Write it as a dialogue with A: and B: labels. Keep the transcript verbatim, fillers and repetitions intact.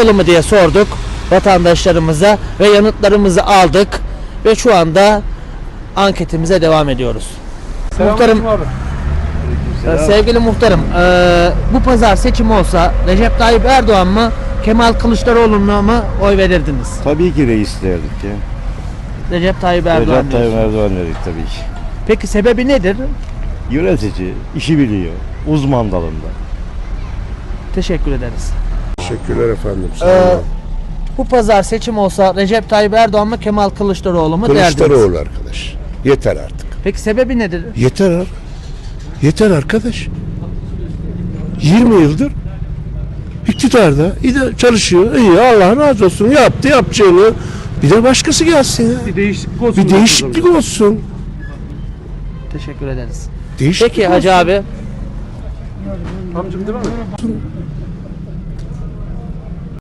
A: Kılıçdaroğlu mu diye sorduk vatandaşlarımıza ve yanıtlarımızı aldık ve şu anda anketimize devam ediyoruz. Muhtarım, e, sevgili muhtarım, e, bu pazar seçim olsa Recep Tayyip Erdoğan mı, Kemal Kılıçdaroğlu'na mı oy verirdiniz?
B: Tabii ki reis derdik ya.
A: Recep Tayyip Erdoğan
B: Recep Tayyip
A: diyorsun.
B: Erdoğan dedik tabii ki.
A: Peki sebebi nedir?
B: Yönetici, işi biliyor, uzman dalında.
A: Teşekkür ederiz.
C: Teşekkürler efendim. Sağ
A: Ee,
C: olun.
A: bu pazar seçim olsa Recep Tayyip Erdoğan mı, Kemal Kılıçdaroğlu mu derdiniz?
C: Kılıçdaroğlu arkadaş. Yeter artık.
A: Peki sebebi nedir?
C: Yeter ar- Yeter arkadaş. yirmi yıldır iktidarda iyi de çalışıyor. İyi, Allah razı olsun. Yaptı yapacağını. Bir de başkası gelsin ya.
D: Bir değişiklik olsun.
C: Bir değişiklik olsun.
A: Teşekkür ederiz.
C: Değişiklik
A: Peki Hacı
C: olsun.
A: abi,
D: Amcım değil mi?